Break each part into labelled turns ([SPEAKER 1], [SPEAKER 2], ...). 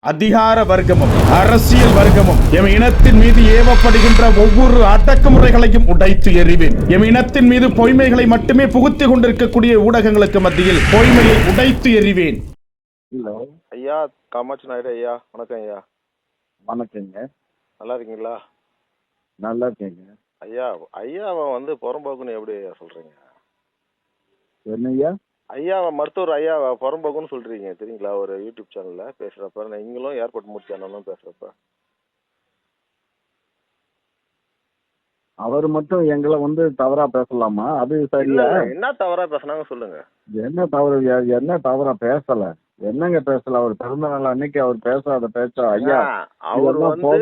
[SPEAKER 1] அதிகார வர்க்கமும் அரசியல் வர்க்கமும் எம் இனத்தின் மீது ஏவப்படுகின்ற ஒவ்வொரு அடக்குமுறைகளையும் உடைத்து எறிவேன். எம் இனத்தின் மீது பொய்மைகளை மட்டுமே புகுத்திக் கொண்டிருக்கக்கூடிய ஊடகங்களுக்கு மத்தியில் பொய்மையை உடைத்து எறிவேன்.
[SPEAKER 2] ஹலோ
[SPEAKER 3] ஐயா, காமாட்சி நாயுடு ஐயா, வணக்கம் ஐயா.
[SPEAKER 2] வணக்கங்க.
[SPEAKER 3] நல்லா இருக்கீங்களா?
[SPEAKER 2] நல்லா இருக்கேங்க.
[SPEAKER 3] ஐயா, ஐயாவை புறம்போக்குன்னு எப்படி ஐயா சொல்றீங்க?
[SPEAKER 2] என்னய்யா?
[SPEAKER 3] ஐயாவை மருத்துவர் ஐயாவை புறம்போக்குன்னு சொல்றீங்க தெரியுங்களா? ஒரு யூடியூப் சேனல்ல பேசுறப்ப நீங்களும் ஏர்போர்ட் மூர்த்தி அண்ணனும் பேசுறப்ப
[SPEAKER 2] அவர் மட்டும் எங்களை தவறா பேசலாமா? அது சரியா?
[SPEAKER 3] என்ன தவறா பேசுனாங்க சொல்லுங்க.
[SPEAKER 2] என்ன தவறா பேசல? என்னங்க பேசல? அவர் பிறந்த நாள் அன்னைக்கு அவர் பேசாத பேச்சா? ஐயா,
[SPEAKER 3] அவர்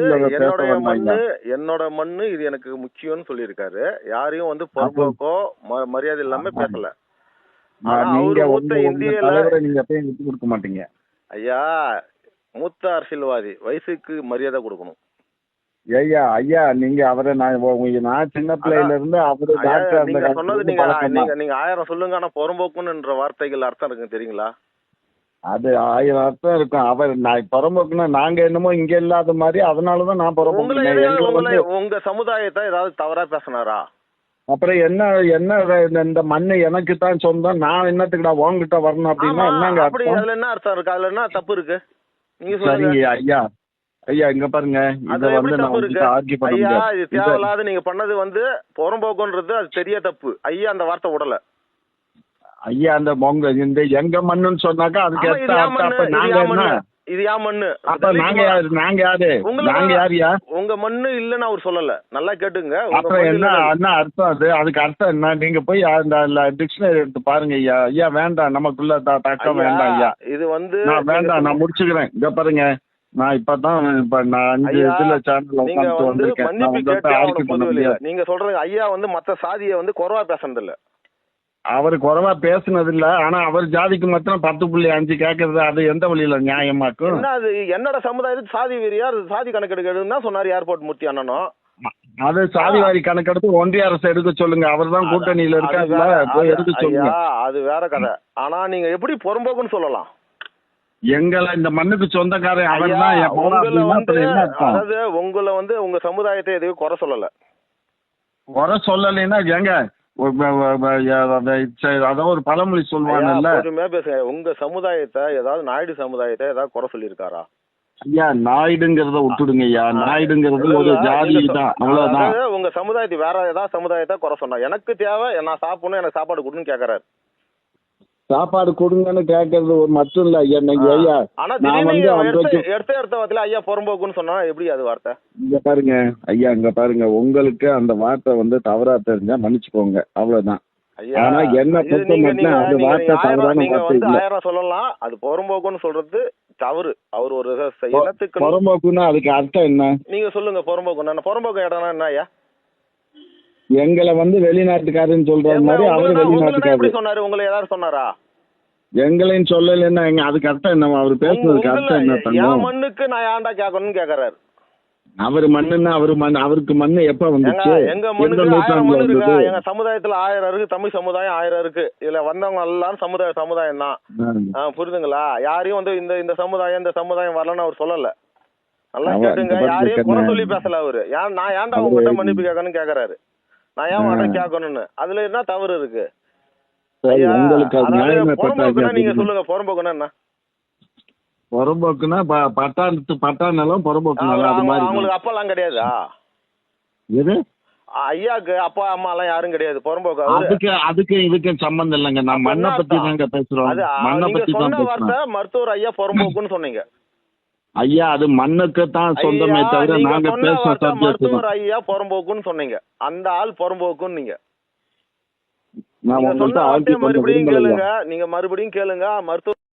[SPEAKER 3] என்னோட மண்ணு இது எனக்கு முக்கியம்னு சொல்லியிருக்காரு. யாரையும் புறம்போக்கோ மரியாதை இல்லாம பேசல.
[SPEAKER 2] நீங்க நீங்க எப்பயும் விட்டு கொடுக்க மாட்டீங்க
[SPEAKER 3] ஐயா. மூத்த அரசியல்வாதி, வயசுக்கு மரியாதை கொடுக்கணும்.
[SPEAKER 2] ஐயா ஐயா, நீங்க அவரை நான் சின்ன பிள்ளையில இருந்து அவரு
[SPEAKER 3] நீங்க சொன்னது நீங்க 1000 சொல்லுங்க. ஆனா புறம்போக்குன்ற வார்த்தைகள் அர்த்தம் இருக்கு தெரியுங்களா?
[SPEAKER 2] அது 1000 அர்த்தம் இருக்கும். அவர் புறம்போக்குன்னா நாங்க என்னமோ இங்க இல்லாத மாதிரி, அதனாலதான் நான் புறம்போக்கு.
[SPEAKER 3] உங்க சமுதாயத்தை ஏதாவது தவறா பேசினாரா?
[SPEAKER 2] அப்புறம் என்ன இந்த மண்ணு எனக்கு தான் சொந்தம், நான் என்னத்துக்குடா உங்ககிட்ட வரணும் அப்படின்னா என்னங்க?
[SPEAKER 3] அப்படி அதுல என்ன அர்த்தம் இருக்கு? அதுல என்ன தப்பு இருக்கு? நீங்க
[SPEAKER 2] சொல்லுங்க. ஐயா ஐயா, இங்க பாருங்க, இத
[SPEAKER 3] ஐயா, இது தேவையில்லாத நீங்க பண்ணது புறம்போக்குன்றது அது பெரிய தப்பு. ஐயா அந்த வார்த்தை விடல.
[SPEAKER 2] ஐயா, அந்த இந்த எங்க மண்ணுன்னு சொன்னாக்கா அதுக்கு
[SPEAKER 3] இது யா மண்ணு.
[SPEAKER 2] அப்ப நாங்க யாரு? நாங்க யாரியா?
[SPEAKER 3] உங்க மண்ணு இல்லன்னு அவர் சொல்லல. நல்லா கேட்டுங்க.
[SPEAKER 2] அப்புறம் என்ன அர்த்தம்? அதுக்கு அர்த்தம் என்ன? நீங்க போய் அந்த டிக்ஷனரி எடுத்து பாருங்க ஐயா. ஐயா வேண்டாம், நமக்குள்ள தக்கம் வேண்டாம் ஐயா.
[SPEAKER 3] இது
[SPEAKER 2] நான் வேண்டாம், நான் முடிச்சுக்கிறேன். இங்க பாருங்க, நான் இப்பதான் நான் 5 இதுல சேனல்ல உட்கார்ந்து வந்திருக்கேன்.
[SPEAKER 3] நீங்க சொல்றது ஐயா மத்த சாதியை குறைவா பேசுறது இல்ல.
[SPEAKER 2] அவரு குறைவா பேசுனது இல்ல. ஆனா அவர் ஜாதிக்கு மாத்திரம் 10.5 கேக்குறது, அது எந்த வழியில நியாயமாக்கும்?
[SPEAKER 3] என்னோட சமுதாயத்துக்கு சாதி வெறியா சாதி கணக்கெடுக்கிறதுன்னு தான் சொன்னாரு ஏர்போர்ட் மூர்த்தி அண்ணனும்.
[SPEAKER 2] அது சாதிவாரி கணக்கெடுத்து ஒன்றிய அரசு எடுக்க சொல்லுங்க. அவர் தான் கூட்டணியில இருக்காருல்ல, போய் எடுக்க சொல்லுங்க.
[SPEAKER 3] அது வேற கதை. ஆனா நீங்க எப்படி புறம்போக்குன்னு சொல்லலாம்?
[SPEAKER 2] எங்களை இந்த மண்ணுக்கு சொந்தக்காரன் அவர் தான்.
[SPEAKER 3] அதாவது உங்களை உங்க சமுதாயத்தை எதையும் குறை சொல்லல.
[SPEAKER 2] குறை சொல்லலைன்னா எங்க அதான் ஒரு பழமொழி சொல்லுவாங்கல்ல.
[SPEAKER 3] பேசுங்க. உங்க சமுதாயத்தை ஏதாவது நாயுடு சமுதாயத்தை ஏதாவது குறை சொல்லியிருக்காரா?
[SPEAKER 2] ஐயா, நாயுடுங்கிறத விட்டுடுங்க ஐயா. நாயுடுங்கிறது ஒரு ஜாதி தான், அவ்வளவுதான்.
[SPEAKER 3] உங்க சமுதாயத்தை வேற ஏதாவது சமுதாயத்தை குறை சொன்னா எனக்கு தேவை, நான் சாப்பிடணும், எனக்கு சாப்பாடு கொடுன்னு கேக்குறாரு.
[SPEAKER 2] சாப்பாடு கொடுங்கன்னு கேட்கறது ஒரு மட்டும் இல்ல ஐயா. ஐயா,
[SPEAKER 3] ஆனா எடுத்த ஐயா புறம்போக்குன்னு சொன்னா எப்படி அது வார்த்தை?
[SPEAKER 2] இங்க பாருங்க ஐயா, இங்க பாருங்க, உங்களுக்கு அந்த வார்த்தை தவறா தெரிஞ்சா மன்னிச்சுக்கோங்க, அவ்வளவுதான். ஆனா என்ன அந்த வார்த்தை தவறான வார்த்தை இல்ல.
[SPEAKER 3] 1000 சொல்லலாம், அது புறம்போக்குன்னு சொல்றது தவறு. அவர் ஒரு இனத்துக்கு
[SPEAKER 2] புறம்போக்குன்னா அதுக்கு அர்த்தம் என்ன?
[SPEAKER 3] நீங்க சொல்லுங்க. புறம்போக்கு புறம்போக்கு இடம்னா என்ன ஐயா?
[SPEAKER 2] எங்களை வெளிநாட்டுக்காரன்னு சொல்ற மாதிரி அவரு வெளிநாட்டுக்காரர்
[SPEAKER 3] சொன்னாரு. உங்களை ஏதாவது சொன்னாரா?
[SPEAKER 2] எங்களையும் சொல்லலைன்னா அதுக்கு அர்த்தம் என்ன? அவரு பேசுறதுக்கு அர்த்தம் என்ன?
[SPEAKER 3] மண்ணுக்கு நான் ஏன்டா கேட்கணும்னு கேக்குறாரு.
[SPEAKER 2] அவரு மண்ணுன்னா அவருக்கு மண்ணு எப்ப வந்துச்சு?
[SPEAKER 3] எங்க மண்ணுக்கு எங்க சமுதாயத்துல 1000 இருக்கு. தமிழ் சமுதாயம் 1000 இருக்கு. இதுல வந்தவங்க எல்லாரும் சமுதாயம் தான். புரியுதுங்களா? யாரையும் இந்த சமுதாயம் வரலன்னு அவர் சொல்லல. நல்லா கேட்டுங்க. யாரையும் குறை சொல்லி பேசல அவரு. நான் ஏன்டா உங்ககிட்ட மன்னிப்பு கேட்கணும்னு கேக்குறாரு. நான் ஏன் வாட்ட கேட்கணும்னு அதுல என்ன தவறு இருக்கு? நீங்க சொல்லுங்க. புறம்போக்குன்னா என்ன?
[SPEAKER 2] புறம்போக்குன்னா பட்டாணம் புறம்போக்கு.
[SPEAKER 3] அவங்களுக்கு அப்பா எல்லாம் கிடையாதா?
[SPEAKER 2] எது?
[SPEAKER 3] ஐயாக்கு அப்பா அம்மா எல்லாம் யாரும் கிடையாது. புறம்போக்கு
[SPEAKER 2] அதுக்கு இதுக்கு சம்பந்தம் இல்லைங்க. நான் மண்ணை பத்தி தாங்க பேசுறோம். மண்ணை பத்தி தான்
[SPEAKER 3] வார்த்தை மருத்துவர் ஐயா புறம்போக்குன்னு சொன்னீங்க.
[SPEAKER 2] ஐயா, அது மண்ணுக்கு தான் சொந்தமே தவிர நாங்க பேசுற
[SPEAKER 3] மருத்துவர் ஐயா புறம்போக்குன்னு சொன்னீங்க. அந்த ஆள் புறம்போக்குன்னு நீங்க மறுபடியும் கேளுங்க. மருத்துவர்